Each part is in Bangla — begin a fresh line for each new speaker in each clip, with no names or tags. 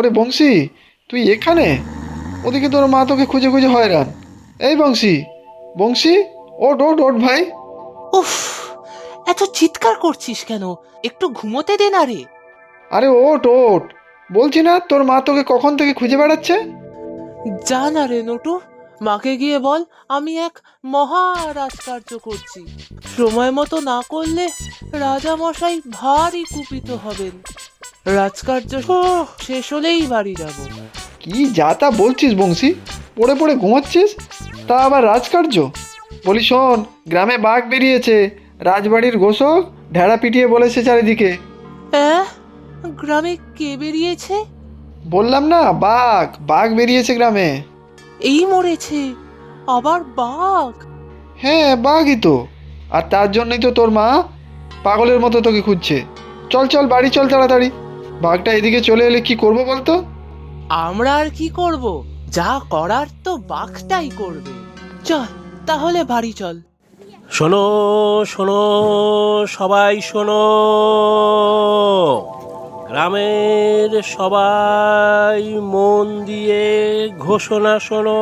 ওরে বংশী, তুই এখানে? ওদিকে তোর মা তোকে খুঁজে খুঁজে হয়রান। এই বংশী, বংশী, ওঠ ওঠ ওঠ ভাই।
উফ, এত চিৎকার করছিস কেন? একটু ঘুমোতে দে না রে।
আরে ওঠ ওঠ, বলছি না তোর মা তোকে কখন থেকে খুঁজে বেড়াচ্ছে।
যা না রে নটু, মাকে গিয়ে বল আমি এক মহা রাজকার্য করছি। সময় মতো না করলে রাজা মশাই ভারী কুপিত হবেন। রাজকার্য শেষ হলেই বাড়ি যাব।
কি যা তা বলছিস বংশী? পড়ে পড়ে ঘুমাচ্ছিস, তা আবার রাজকার্য? বলি শোন, গ্রামে বাঘ বেরিয়েছে। রাজবাড়ির ঘোষক ঢেড়া পিটিয়ে বলেছে চারিদিকে।
অ্যাঁ, গ্রামে কে বেরিয়েছে?
বললাম না, বাঘ বাঘ বেরিয়েছে গ্রামে।
এই মরেছে, আবার বাঘ?
হ্যাঁ, বাঘই তো। আর তার জন্যই তো তোর মা পাগলের মতো তোকে খুঁজছে। চল চল বাড়ি চল তাড়াতাড়ি। বাঘটা এদিকে চলে এলে কি করবো বলতো?
আমরা আর কি করব? যা করার তো বাঘটাই করবে। চল তাহলে বাড়ি চল।
শোনো শোনো, সবাই শোনো, গ্রামের সবাই মন দিয়ে ঘোষণা শোনো।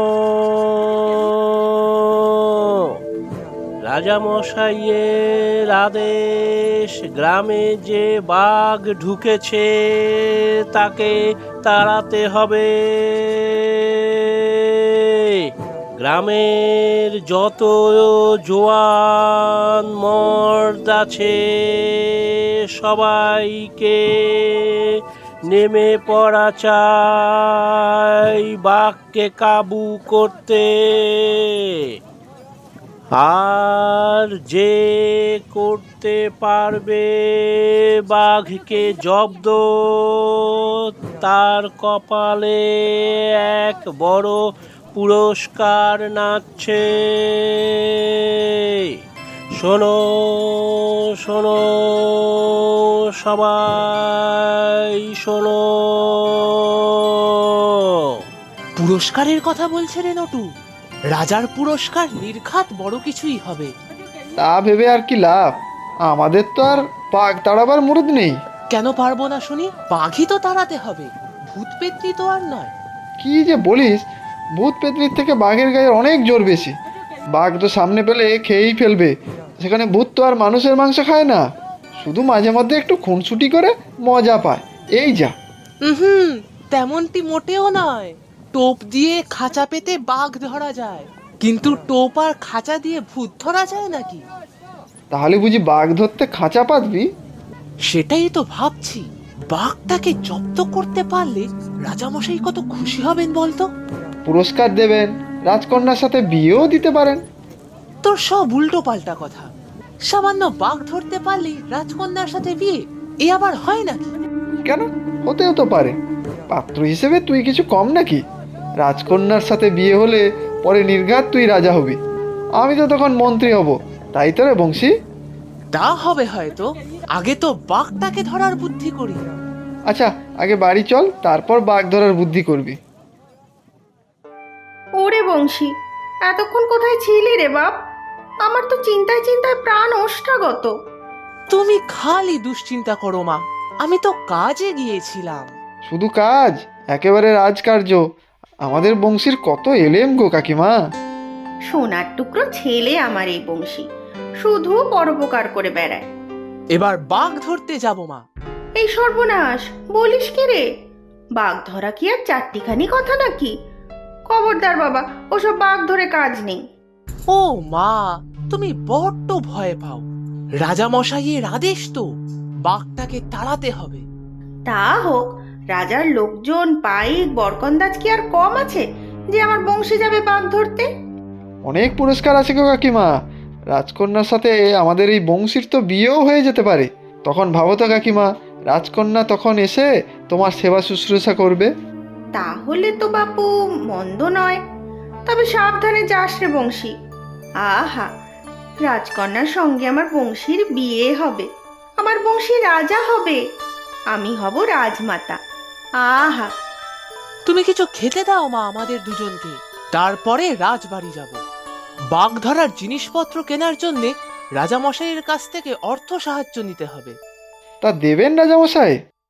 রাজামশাইয়ের আদেশ, গ্রামে যে বাঘ ঢুকেছে তাকে তাড়াতে হবে। গ্রামের যত জোয়ান মর্দ আছে সবাইকে নেমে পড়া চাই বাঘকে কাবু করতে। আর যে করতে পারবে বাঘকে জব্দ, তার কপালে এক বড় পুরস্কার নাচছে। শোনো শোনো, সবাই শোনো।
পুরস্কারের কথা বলছে রে নটু। রাজার পুরস্কার নির্ঘাত বড় কিছুই হবে।
তা ভেবে আর কি লাভ? আমাদের তো আর বাঘ তাড়াবার মুরুদ নেই।
কেন পারবো না শুনি? বাঘই তো তাড়াতে হবে, ভূত পেত্নী তো আর নয়।
কি যে বলিস, ভূত পেতনির থেকে বাঘের গায়ে অনেক জোর বেশি। বাঘ তো সামনে পেলে খেয়েই ফেলবে, সেখানে ভূত তো আর মানুষের মাংস খায় না, শুধু মাঝে মধ্যে একটু খুনসুটি করে মজা পায়, এই যা।
হুম, তেমনটি মোটেও নয়। টোপ দিয়ে খাঁচা পেতে বাঘ ধরা যায়, কিন্তু টোপ আর খাঁচা দিয়ে ভূত ধরা যায় নাকি?
তাহলে বুঝি বাঘ ধরতে খাঁচা পাতবি?
সেটাই তো ভাবছি। বাঘটাকে জব্দ করতে পারলে রাজামশাই কত খুশি হবেন বলতো।
পুরস্কার দেবেন, রাজকন্যার সাথে বিয়েও দিতে পারেন।
তোর সব উল্টো পাল্টা কথা। সামান্য বাঘ ধরতে পারলেই রাজকন্যার সাথে বিয়ে, এ আবার হয় নাকি?
কেন, হতেও তো পারে। পাত্র হিসেবে তুই কিছু কম নাকি? রাজকন্যার সাথে বিয়ে হলে পরে নির্ঘাত তুই রাজা হবি, আমি তো তখন মন্ত্রী হব, তাই তো রে বংশী?
তা হবে হয়তো, আগে তো বাঘটাকে ধরার বুদ্ধি করি।
আচ্ছা, আগে বাড়ি চল, তারপর বাঘ ধরার বুদ্ধি করবি।
ওরে বংশী, এতক্ষণ কোথায় ছিলি রে বাপ? আমার তো চিন্তায় চিন্তায় প্রাণ ওষ্ঠাগত।
তুমি খালি দুশ্চিন্তা করো মা, আমি তো কাজে গিয়েছিলাম।
শুধু কাজ? একেবারে রাজকার্য। আমাদের বংশীর কত এলেম গো কাকিমা।
সোনার টুকরো ছেলে আমার এই বংশী, শুধু পরোপকার করে বেড়ায়।
এবার বাঘ ধরতে যাব মা।
এই সর্বনাশ, বলিস কি রে? বাঘ ধরা কি আর চারটিখানি কথা নাকি? খবরদার বাবা, ওসব বাঘ ধরে কাজ নেই।
ও মা, তুমি বড্ড ভয় পাও। রাজা মশাইয়ের আদেশ তো, বাঘটাকে তাড়াতে হবে।
তা হোক, রাজার লোকজন পাইক বরকন্দাজ কি আর কম আছে যে আমার বংশী যাবে বাঘ ধরতে?
অনেক পুরস্কার আছে গো কাকিমা। রাজকন্যার সাথে আমাদের এই বংশীর তো বিয়েও হয়ে যেতে পারে। তখন ভাবো তো কাকিমা, রাজকন্যা তখন এসে তোমার সেবা শুশ্রূষা করবে।
তাহলে তো বাপু মন্দ নয়, তবে সাবধানে যাস রে বংশী। আহা, রাজকন্যার সঙ্গে আমার বংশীর বিয়ে হবে, আমার বংশী রাজা হবে, আমি হব রাজমাতা। আহা,
তুমি কিছু খেতে দাও মা আমাদের দুজনকে, তারপরে রাজবাড়ি যাব। বাঘ ধরার জিনিসপত্র কেনার জন্য রাজা মশাইয়ের কাছ থেকে অর্থ সাহায্য নিতে হবে।
তা দেবেন রাজামশাই?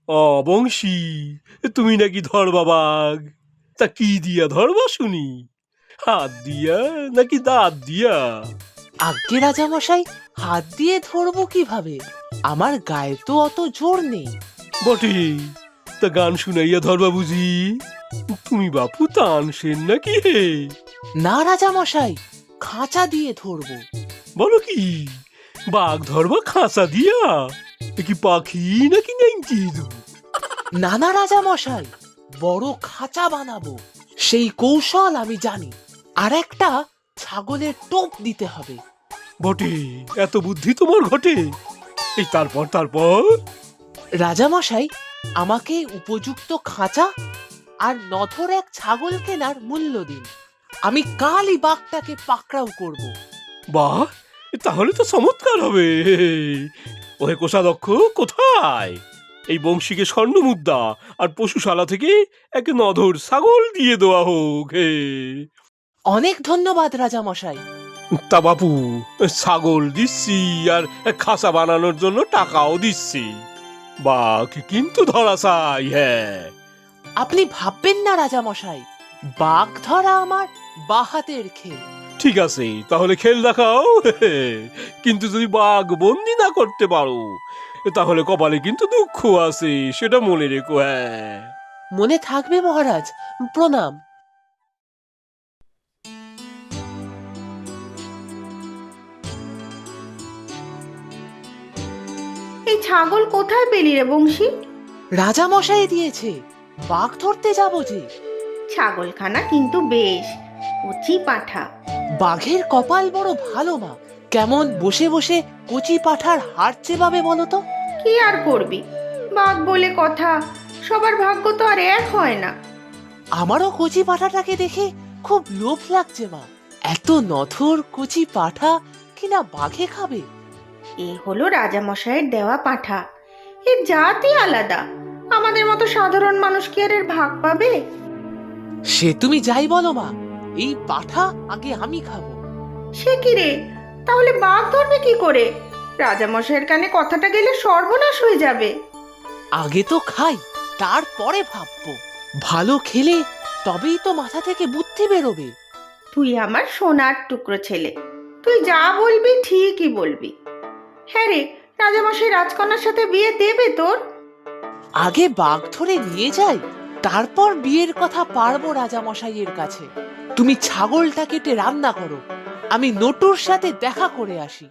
বংশী, তুমি নাকি ধরবা বাঘ? তা কি দিয়া ধরবা শুনি? হাত দিয়া নাকি দাঁত দিয়া?
আজ্ঞে রাজামশাই, হাত দিয়ে ধরবো কিভাবে? আমার গায়ে তো অত জোর নেই।
বটে, তা গান শুনাইয়া ধরবা বুঝি? তুমি বাপু তানসেন নাকি হে?
না রাজামশাই, খাঁচা দিয়ে ধরবো।
বলো কি, বাঘ ধরবা খাঁচা দিয়া? এ কি পাখি নাকি নেংটি?
না না রাজামশাই, বড় খাঁচা বানাবো, সেই কৌশল আমি জানি। আর একটা ছাগলের টোপ দিতে হবে।
বটে, এত বুদ্ধি তোমার ঘটে? এই তারপর তারপর
রাজামশাই, আমাকে উপযুক্ত খাঁচা আর নথর এক ছাগল কেনার মূল্য দিন। আমি কালই বাঘটাকে পাকড়াও করব।
বাহ, তাহলে তো চমৎকার হবে। ওহে কোষাধ্যক্ষ, কোথায়? এই বংশীকে স্বর্ণ মুদ্রা আর পশুশালা থেকে এক নধর ছাগল দিয়ে দেওয়া হোক হে।
অনেক ধন্যবাদ রাজামশাই।
তা বাপু, ছাগল দিচ্ছি আর খাসা বানানোর জন্য টাকাও দিচ্ছি। বাঘ কিন্তু ধরা চাই। হ্যাঁ,
আপনি ভাববেন না রাজামশাই, বাঘ ধরা আমার বাহাতের খেল।
ঠিক আছে, তাহলে খেল দেখাও। কিন্তু যদি বাঘ বন্দি না করতে পারো, তাহলে কপালে কিন্তু দুঃখ আছে, সেটা মনে রেখো। হ্যাঁ,
মনে থাকবে মহারাজ, প্রণাম।
এই ছাগল কোথায় পেলি রে বংশী?
রাজামশাই দিয়েছে, বাঘ ধরতে যাব যে।
ছাগলখানা কিন্তু বেশ কচি পাঠা।
বাঘের কপাল বড় ভালো মা। কেমন বসে বসে কচি পাঠার হাড় চেবাবে বলো তো?
কি আর করবি, বাঘ বলে কথা, সবার ভাগ্য তো আর এক হয় না।
আমারও কচি পাঠাটাকে দেখে খুব লোভ লাগছে মা। এত নথর কচি পাঠা কিনা বাঘে খাবে?
এ হলো রাজামশাইয়ের দেওয়া পাঠা, এর জাতই আলাদা। আমাদের মতো সাধারণ মানুষ কি আর এর ভাগ পাবে?
সে তুমি যাই বলো মা, এই পাঠা আগে আমি খাবো।
সে কি রে, তাহলে বাঘ ধরবে কি করে? রাজামশাইয়ের কানে কথাটা গেলে সর্বনাশ হয়ে যাবে।
আগে তো খাই, তারপরে ভাববো। ভালো খেলে তবেই তো মাথা থেকে বুদ্ধি বেরোবে।
তুই আমার সোনার টুকরো ছেলে, তুই যা বলবি ঠিকই বলবি। হ্যাঁ রে, রাজামশাই রাজকন্যার সাথে বিয়ে দেবে তোর?
আগে বাঘ ধরে নিয়ে যাই, তারপর বিয়ের কথা পারবো রাজামশাইয়ের কাছে। তুমি ছাগলটা কেটে রান্না করো, আমি নটুর সাথে দেখা করে আসি।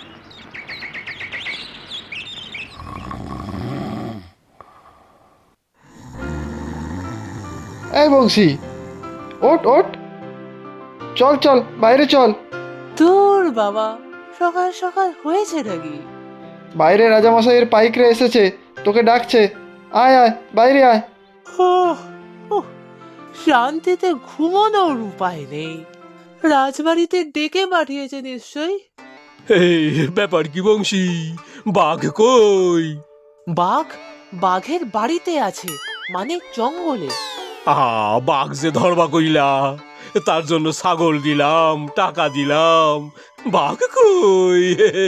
এই বংশী, ওঠ ওঠ, চল চল বাইরে চল।
তোর বাবা, সকাল সকাল হয়েছে নাকি?
বাইরে রাজামশাইয়ের পাইকরা এসেছে, তোকে ডাকছে। আয় আয়, বাইরে আয়।
ওহ, ওহ, শান্তিতে ঘুমানোর উপায় নেই। রাজবাড়িতে ডেকে পাঠিয়েছে নিশ্চয়ই।
এই ব্যাপার কি বংশী, বাঘ কই?
বাঘ বাঘের বাড়িতে আছে, মানে জঙ্গলে।
বাঘ যে ধরবা কইলা, তার জন্য ছাগল দিলাম, টাকা দিলাম, বাঘ কই?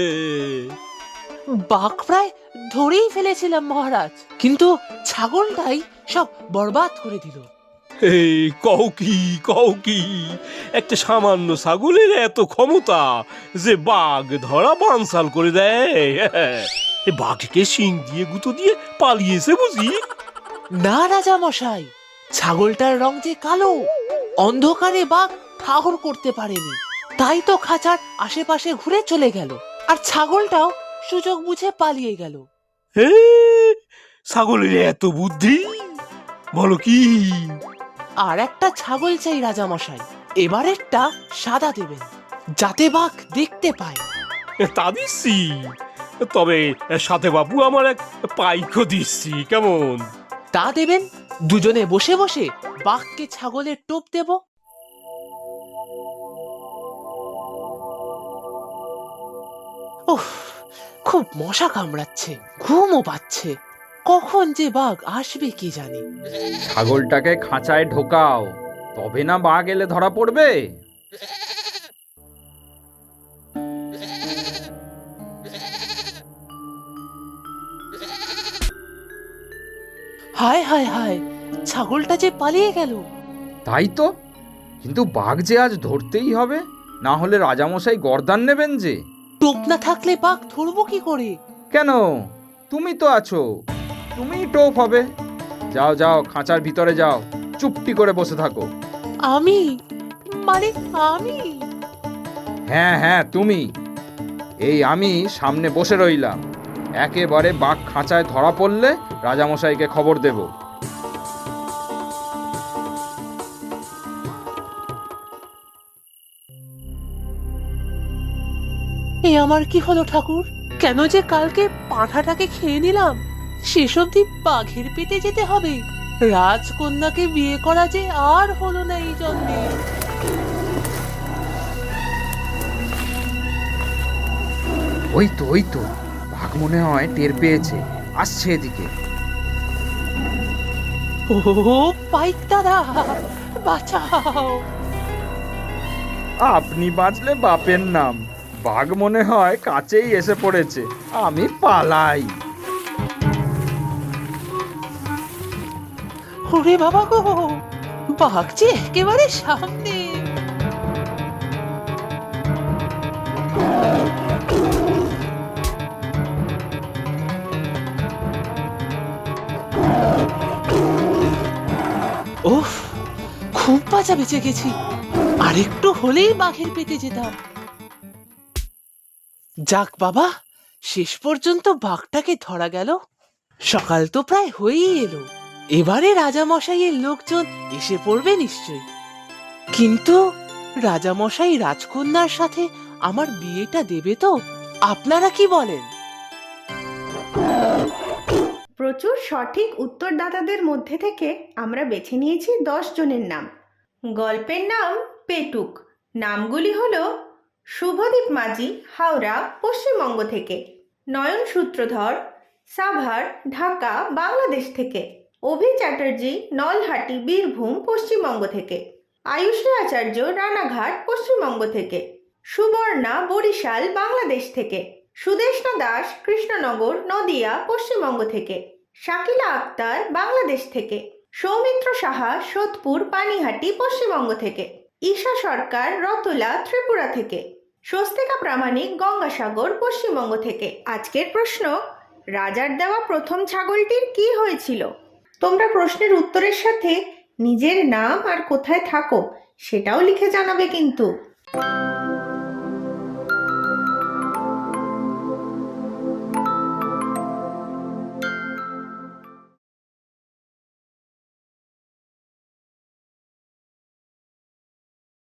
বাঘ প্রায় ধরেই ফেলেছিলাম মহারাজ, কিন্তু ছাগলটাই সব বরবাদ করে দিল।
এই কও কি একটা সামান্য ছাগলের এত ক্ষমতা যে বাঘ ধরা বানসাল করে দেয়? এ বাঘকে শিং দিয়ে গুঁতো দিয়ে পালিয়েছে বুঝি?
না রাজা মশাই, ছাগলটার রং যে কালো, অন্ধকারে বাঘ ঠাহর করতে পারেনি, তাই তো খাঁচার আশেপাশে ঘুরে চলে গেল, আর ছাগলটাও সুযোগ বুঝে পালিয়ে গেল।
হে, ছাগলের এত বুদ্ধি, বলো কি?
আর একটা ছাগল চাই রাজামশাই, এবারেরটা সাদা দেবেন, যাতে বাঘ দেখতে পায়।
তা দিচ্ছি, তবে সাথে বাবু আমার এক পাইকও দিচ্ছি, কেমন?
তা দেবেন, দুজনে বসে বসে বাঘকে ছাগলের টোপ দেব। উফ, খুব মশা কামড়াচ্ছে, ঘুমও পাচ্ছে। কখন যে বাঘ আসবে কি জানি।
ছাগলটাকে খাঁচায় ঢোকাও, তবে না বাঘ এলে ধরা পড়বে।
হায় হায় হায়, ছাগলটা যে পালিয়ে গেল।
তাই তো, কিন্তু বাঘ যে আজ ধরতেই হবে, না হলে রাজামশাই গর্দান নেবেন যে।
টোপ না থাকলে বাঘ ধরবো কি করে?
কেন, তুমি তো আছো, তুমিই টোপ হবে। যাও যাও, খাঁচার ভিতরে যাও, চুপটি করে বসে থাকো।
আমি? মানে আমি?
হ্যাঁ হ্যাঁ, তুমি। এই আমি সামনে বসে রইলাম, একেবারে বাঘ খাঁচায় ধরা পড়লে রাজামশাইকে খবর দেব।
এ আমার কি হলো ঠাকুর? কেন যে কালকে পাঁঠাটাকে খেয়ে নিলাম, শেষ অবধি বাঘের পেটে যেতে হবে? রাজকন্যাকে বিয়ে করা যে আর হলো না এই জন্মে।
ওই তো, বাঘ মনে হয় টের পেয়েছে, আসছে এদিকে।
ও পাইক দাদা, বাঁচাও!
আপনি বাঁচলে বাপের নাম, বাঘ মনে হয় কাছেই এসে পড়েছে, আমি পালাই।
ওরে বাবা গো, বাঘ যে একেবারে সামনে। উফ, খুব বাঁচা বেঁচে গেছি। আরেকটু হলেই বাঘের পেটে যেতাম। যাক বাবা, শেষ পর্যন্ত বাঘটাকে ধরা গেল। সকাল তো প্রায় হয়েই এলো, এবারে রাজামশাইয়ের লোকজন এসে পড়বে নিশ্চয়ই। কিন্তু রাজামশাই রাজকন্যার সাথে আমার বিয়েটা দেবে তো? আপনারা কি বলেন?
প্রচুর সঠিক উত্তরদাতাদের মধ্যে থেকে আমরা বেছে নিয়েছি 10 জনের নাম। গল্পের নাম পেটুক। নামগুলি হলো শুভদীপ মাঝি, হাওড়া, পশ্চিমবঙ্গ থেকে; নয়ন সূত্রধর, সাভার, ঢাকা, বাংলাদেশ থেকে; অভি চ্যাটার্জি, নলহাটি, বীরভূম, পশ্চিমবঙ্গ থেকে; আয়ুষী আচার্য, রানাঘাট, পশ্চিমবঙ্গ থেকে; সুবর্ণা, বরিশাল, বাংলাদেশ থেকে; সুদেষ্ণা দাস, কৃষ্ণনগর, নদিয়া, পশ্চিমবঙ্গ থেকে; শাকিলা আক্তার, বাংলাদেশ থেকে; সৌমিত্র সাহা, সোদপুর, পানিহাটি, পশ্চিমবঙ্গ থেকে; ঈশা সরকার, রতলা, ত্রিপুরা থেকে; স্বস্তিকা প্রামাণিক, গঙ্গাসাগর, পশ্চিমবঙ্গ থেকে। আজকের প্রশ্ন: রাজার দেওয়া প্রথম ছাগলটির কি হয়েছিল? তোমরা প্রশ্নের উত্তরের সাথে নিজের নাম আর কোথায় থাকো সেটাও লিখে জানাবে কিন্তু।